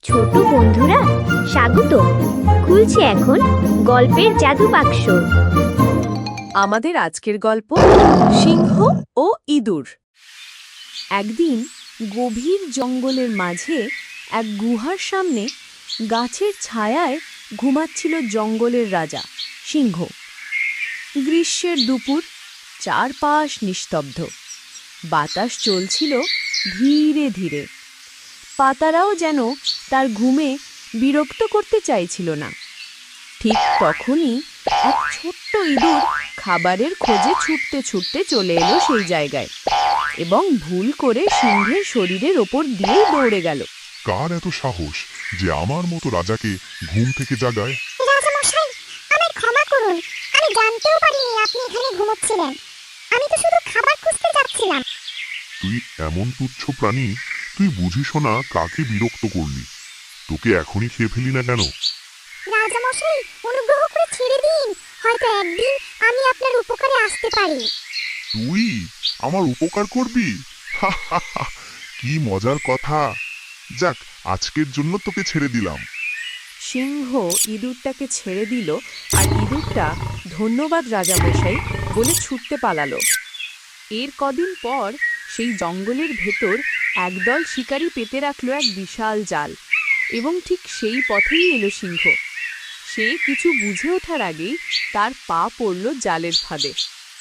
ছোট বন্ধুরা স্বাগত। খুলছে এখন গল্পের জাদু বাক্স। আমাদের আজকের গল্প সিংহ ও ইঁদুর। একদিন গভীর জঙ্গলের মাঝে এক গুহার সামনে গাছের ছায়ায় ঘুমাচ্ছিল জঙ্গলের রাজা সিংহ। গ্রীষ্মের দুপুর, চারপাশ নিস্তব্ধ, বাতাস চলছিল ধীরে ধীরে। পাতারাও যেন তার ঘুমে বিরক্ত করতে চাইছিল না। ঠিক তখনই এক ছোট্ট ইঁদুর খাবারের খোঁজে ছুটতে ছুটতে চলে এলো সেই জায়গায় এবং ভুল করে সিংহের শরীরের ওপর দিয়েই দৌড়ে গেল। কার এত সাহস যে আমার মতো রাজাকে ঘুম থেকে জাগায়? রাজামশাই, আমায় ক্ষমা করুন। আমি জানতেও পারিনি আপনি এখানে ঘুমোচ্ছিলেন। আমি তো শুধু খাবার খুঁজতে যাচ্ছিলাম। তুই এমন তুচ্ছ প্রাণী, তুই বুঝিস না কাকে বিরক্ত করলি। তোকে এখনই খেয়ে ফেলি না কেন? রাজামশাই, অনুগ্রহ করে ছেড়ে দিন। হয়তো একদিন আমি আপনার উপকারে আসতে পারি। তুই আমার উপকার করবি? কি মজার কথা। যাক, আজকের জন্য তোকে ছেড়ে দিলাম। সিংহ ইঁদুরটাকে ছেড়ে দিল আর ইঁদুরটা ধন্যবাদ রাজামশাই বলে ছুটতে পালালো। এর কদিন পর সেই জঙ্গলের ভেতর একদল শিকারী পেতে রাখলো এক বিশাল জাল এবং ঠিক সেই পথেই এলো সিংহ। সে কিছু বুঝে ওঠার আগেই তার পা পড়ল জালের ফাঁদে।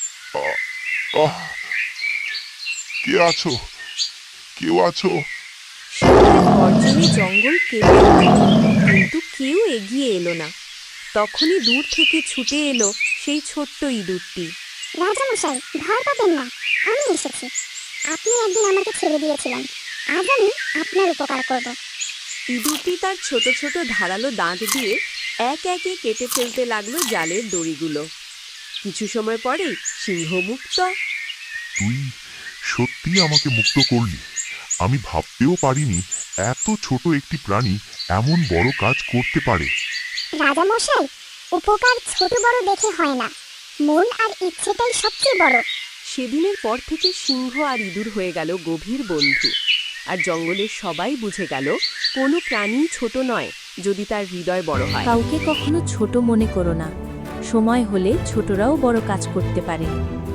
কে আছো? কেউ আছো? সিংহের গর্জনে জঙ্গল কেঁপে উঠল, কিন্তু কেউ এগিয়ে এলো না। তখনই দূর থেকে ছুটে এলো সেই ছোট্ট ইঁদুরটি। রাজামশাই, ভয় পাবেন না, আমি এসেছি। আপনি একদিন আমাকে ছেড়ে দিয়েছিলেন, আজ আমি আপনার উপকার করব। ইঁদুরটি তার ছোট ছোট ধারালো দাঁত দিয়ে এক একে কেটে ফেলতে লাগলো জালের দড়িগুলো। কিছু সময় পরেই সিংহ মুক্ত। তুই সত্যি আমাকে মুক্ত করলি। আমি ভাবতেও পারিনি এত ছোট একটি প্রাণী এমন বড় কাজ করতে পারে। রাজামশাই, উপকার ছোট বড় দেখে হয় না, মন আর ইচ্ছেটাই সবচেয়ে বড়। সেদিনের পর থেকে সিংহ আর ইঁদুর হয়ে গেল গভীর বন্ধু। আর জঙ্গলের সবাই বুঝে গেল কোনো প্রাণী ছোট নয় যদি তার হৃদয় বড় হয়। কাউকে কখনো ছোট মনে করো না। সময় হলে ছোটরাও বড় কাজ করতে পারে।